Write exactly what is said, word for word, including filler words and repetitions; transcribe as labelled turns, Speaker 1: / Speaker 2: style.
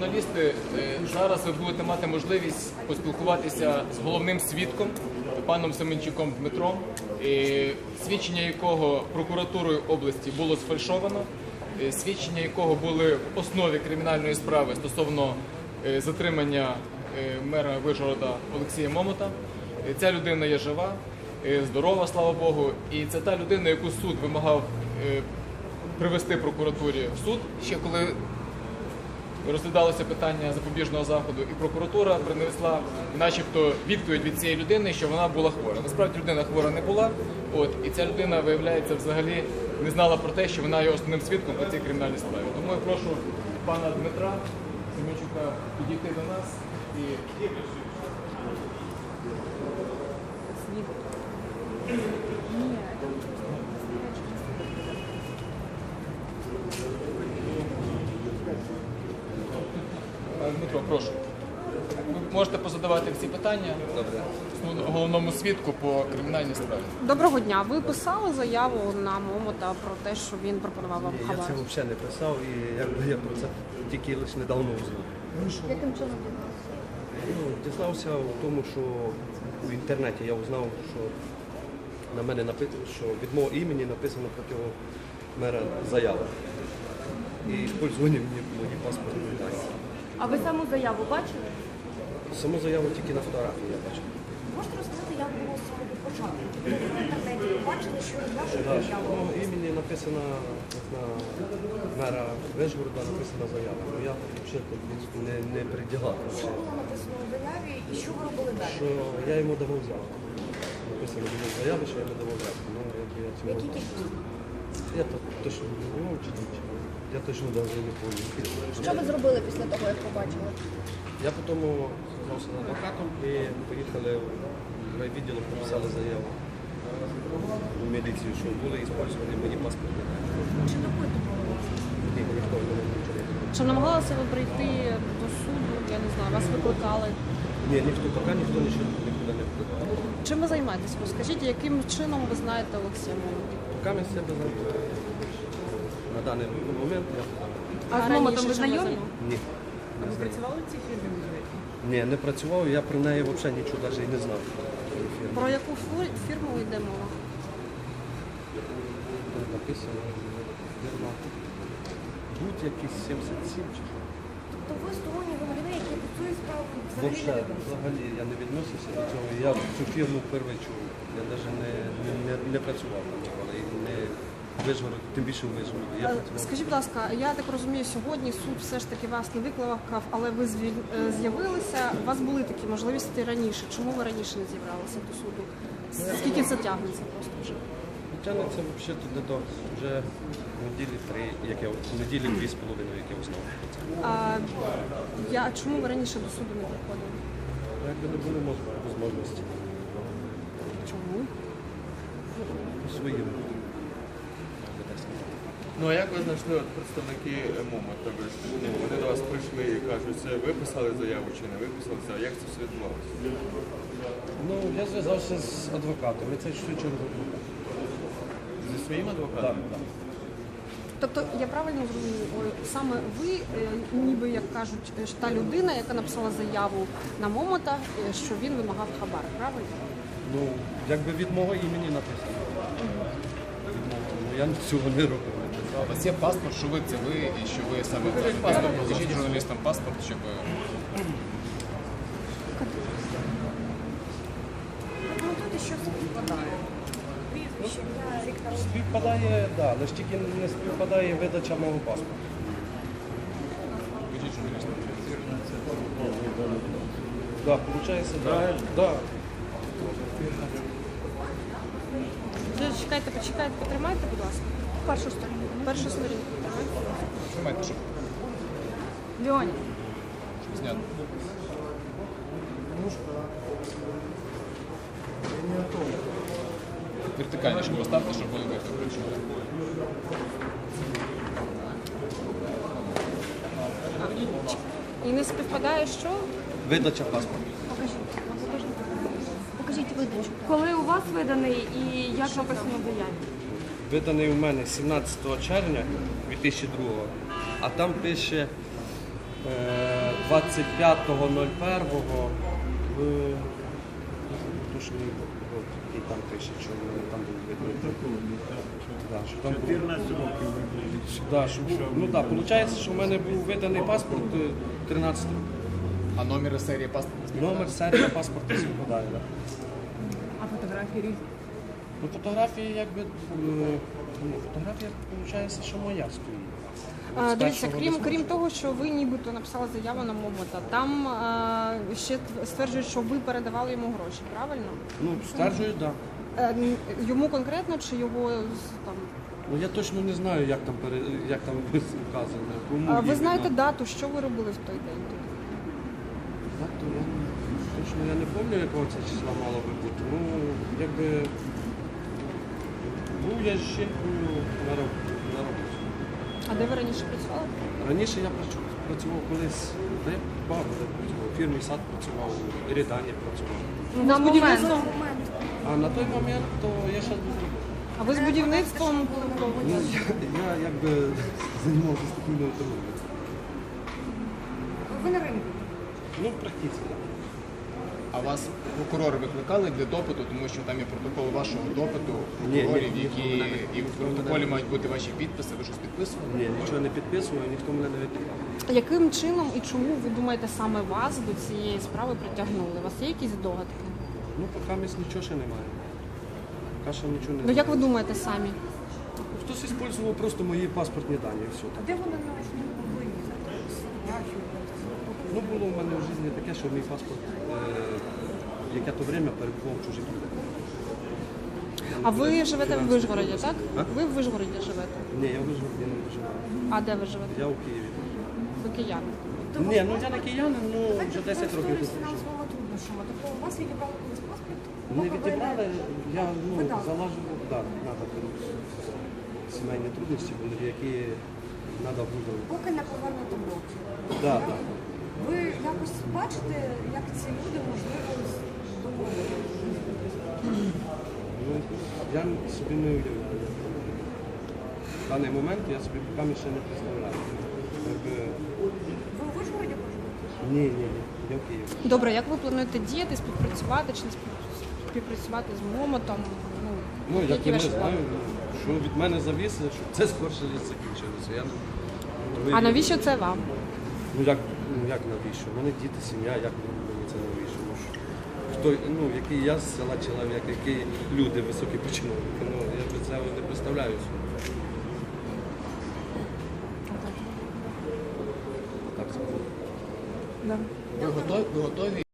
Speaker 1: Журналісти, зараз ви будете мати можливість поспілкуватися з головним свідком, паном Семенчуком Дмитром, свідчення якого прокуратурою області було сфальшовано, свідчення якого були в основі кримінальної справи стосовно затримання мера Вишгорода Олексія Момота. Ця людина є жива, здорова, слава Богу, і це та людина, яку суд вимагав привести прокуратурі в суд, ще коли розглядалося питання запобіжного заходу, і прокуратура принесла начебто відповідь від цієї людини, що вона була хвора. Насправді людина хвора не була, от, і ця людина, виявляється, взагалі не знала про те, що вона є основним свідком по цій кримінальній справі. Тому я прошу пана Дмитра Семенчука підійти до нас і... Дмитро, прошу. Ви можете позадавати всі питання головному свідку по кримінальній справі.
Speaker 2: Доброго дня. Ви писали заяву на Момота про те, що він пропонував вам хабар?
Speaker 3: Я це взагалі не писав і якби я про це тільки лише недавно узнав.
Speaker 2: Яким чином дізнався?
Speaker 3: Ну, дізнався в тому, що в інтернеті я узнав, що на мене написано, що від мого імені написано проти мера заява. І пользування мені мої паспортні дані.
Speaker 4: А ви саму заяву бачили?
Speaker 3: Саму заяву тільки на фотографії я бачив.
Speaker 4: Можете розказати, як було з самого початку? Ви в інтернеті бачили, що від вашої
Speaker 3: Так,
Speaker 4: заяви?
Speaker 3: що мого імені написана на мера Вишгорода написана заява. Ну я взагалі не, не приділа.
Speaker 4: Що було написано у заяві і що ви робили далі?
Speaker 3: Що я йому давав взятку. Написано було в заяві, що я йому давав взятку. Ну, якби я цього...
Speaker 4: Які кількості?
Speaker 3: Я то точно не знаю, чи нічого. Я точно навіть не пам'ятаю.
Speaker 4: Що ви зробили після того, як побачили?
Speaker 3: Я потім зв'язався з адвокатом і поїхали в райвідділ, написали заяву у міліцію, що були використані мої паспорти.
Speaker 4: Чи допитували вас?
Speaker 3: Ні, ніхто не нічого не робив.
Speaker 2: Чи намагалися ви прийти до суду? Я не знаю, вас викликали?
Speaker 3: Ні, ніхто, поки ніхто нічого нікуди не впливав.
Speaker 2: Чим ви займаєтесь? Розкажіть, яким чином ви знаєте Олексія Момота?
Speaker 3: Поки ми з себе знаємо. На даний момент я
Speaker 4: А з Момотом ви знайомі?
Speaker 3: ні.
Speaker 5: А ви працювали в цій фірмі?
Speaker 3: Ні, не працював, я про неї взагалі нічого навіть і не знав.
Speaker 2: Про яку фу- фірму йде мова?
Speaker 3: Тут написано, фірма Будь якийсь сімдесят сім чи що.
Speaker 4: Тобто ви сторонні громадяни, які до цієї справи взагалі не
Speaker 3: Взагалі,
Speaker 4: відносяться?
Speaker 3: взагалі я не відносився до цього. Я цю фірму вперше чув. Я навіть не, не, не, не працював там ніколи. І не Вишгород, тим більше в Вишгороді. Я
Speaker 2: Е,
Speaker 3: працював.
Speaker 2: Скажіть, будь ласка, я так розумію, сьогодні суд все ж таки вас не викликав, але ви звіль- е, з'явилися. У вас були такі можливості раніше. Чому ви раніше не з'являлися до суду? Скільки це тягнеться просто вже?
Speaker 3: Тягнеться взагалі туди до вже неділі три, як я неділі дві з половиною, як я узнав.
Speaker 2: А я чому ви раніше до суду не приходили?
Speaker 3: Якби не було мож- можливості
Speaker 2: Чому?
Speaker 3: своїм.
Speaker 6: Ну а як ви знайшли от представники Момота? Ви ж, ну, вони до вас прийшли і кажуть, це ви писали заяву чи не ви писали заяву? Як це все відбувалося?
Speaker 3: Ну, я зв'язався з адвокатом, і це все через адвоката.
Speaker 6: Зі своїм адвокатом?
Speaker 3: Так, так.
Speaker 2: Тобто я правильно зрозумію, ой, саме ви, е, ніби як кажуть, е, ж та людина, яка написала заяву на Момота, е, що він вимагав хабар, правильно?
Speaker 3: Ну, якби від мого імені написано. Від мого. Ну, я цього не робив. не писав.
Speaker 1: У вас є паспорт, що ви це ви, і що ви саме паспорт, покажіть журналістам паспорт, щоб...
Speaker 4: Прокоментуйте, що співпадає. Прізвище, ім'я, рік народження.
Speaker 3: Співпадає, так, да, але ж тільки не співпадає видача мого паспорта.
Speaker 1: Покажіть журналістам.
Speaker 3: Так, виходить, так. Да.
Speaker 2: Чекайте, почекайте, потримайте, будь ласка. Першу сторінку. Першу сторінку.
Speaker 1: Тримайте, щоб
Speaker 4: Леонід.
Speaker 1: зняти. Вертикальніше поставте, щоб були вихід причому.
Speaker 2: І не співпадає що?
Speaker 3: Видача паспорта.
Speaker 4: Покажіть. Покажіть видачу. Коли у вас виданий і як написано в заяві?
Speaker 3: Виданий у мене сімнадцятого червня дві тисячі другого, а там пише е, двадцять п'ятого першого в точний рок, який там пише, що вони там були видно. Да, що там було.
Speaker 7: чотирнадцять років ви були.
Speaker 3: Да, що, ну так, да, виходить, що в мене був виданий паспорт е, тринадцять років.
Speaker 1: А номер серії паспорта?
Speaker 3: Номер, серія паспорта співпадає, так. Да.
Speaker 5: А фотографії різні?
Speaker 3: Ну, фотографії, якби, е, ну, фотографія, виходить, що моя стоїть. От
Speaker 2: Е,
Speaker 3: з
Speaker 2: Дивіться,
Speaker 3: першого
Speaker 2: крім,
Speaker 3: до
Speaker 2: крім того, що ви нібито написали заяву на Момота, там е, ще стверджують, що ви передавали йому гроші, правильно?
Speaker 3: Ну, стверджую, так. Да.
Speaker 2: Е, н- Йому конкретно чи його з- там?
Speaker 3: Ну, я точно не знаю, як там, пере, як там вказано. Кому
Speaker 2: А ви
Speaker 3: іменно.
Speaker 2: знаєте дату, що ви робили в той день? тут?
Speaker 3: Дату я не- точно я не пам'ятаю, якого це числа мало би бути. Ну, якби був я з жінкою на роб- на роботі.
Speaker 2: А де ви раніше працювали?
Speaker 3: Раніше я працю- працював колись, та я багато де працював. В фірмі сад працював, в Рідані працював.
Speaker 4: На момент.
Speaker 3: А на той момент то я ще був.
Speaker 2: А ви з будівництвом?
Speaker 3: Ну, я, я якби займався спокійною торговлею.
Speaker 4: Ви на ринку.
Speaker 3: Ну, практично, так.
Speaker 1: А вас прокурори викликали для допиту, тому що там є протокол вашого допиту,
Speaker 3: Ні, ні,
Speaker 1: прокурорів,
Speaker 3: ніхто
Speaker 1: які
Speaker 3: мене не-
Speaker 1: і в протоколі мають бути ваші підписи, ви щось підписували?
Speaker 3: Ні, нічого не підписував, ніхто мене не викликав.
Speaker 2: Яким чином і чому ви думаєте саме вас до цієї справи притягнули? У вас є якісь догадки?
Speaker 3: Ну, поки місць нічого ще немає. Поки що нічого не
Speaker 2: Ну як ви
Speaker 3: знаю.
Speaker 2: думаєте самі?
Speaker 3: Хтось використовував просто мої паспортні дані і все. Так.
Speaker 5: Де вони на не могли?
Speaker 3: Ну, було в мене в житті таке, що мій паспорт е, яке то время перебував в чужих людях.
Speaker 2: А ви живете в Вишгороді, так?
Speaker 3: А?
Speaker 2: Ви в Вишгороді живете.
Speaker 3: Ні, я в Ужгороді не виживаю.
Speaker 2: А де ви живете?
Speaker 3: Я у Києві.
Speaker 2: Ви кияни.
Speaker 3: Ні, ну я не киянин, ну вже десять років тут.
Speaker 5: з фінансовими труднощами. Тобто у вас відібрали колись паспорт?
Speaker 3: Не відібрали, я ну, залажував, так, треба сімейні трудності були, які треба було.
Speaker 5: Поки не повернути блоки.
Speaker 3: Да, да.
Speaker 5: Ви якось бачите, як ці люди можливо домовилися?
Speaker 3: Ну, я собі не уявляю. В даний момент я собі поки ще не представляю. Якби...
Speaker 5: Ви у Вишгороді проживаєте?
Speaker 3: Ні, ні, ні, я в Києві.
Speaker 2: Добре, як ви плануєте діяти, співпрацювати чи не спів- співпрацювати з Момотом? Ну,
Speaker 3: Ну, я
Speaker 2: які
Speaker 3: не
Speaker 2: ваші
Speaker 3: знаю,
Speaker 2: плани?
Speaker 3: що від мене завісить, щоб це скорше закінчилося. Я не... Ви-
Speaker 2: А навіщо це вам?
Speaker 3: Ну як, ну як навіщо? У мене діти, сім'я, як мені це навіщо? Ну, що- хто, ну, який я з села чоловік, які люди високі починовники, ну я би це не представляю собі. Так сказати.
Speaker 2: Да.
Speaker 1: Ви готові, ви готові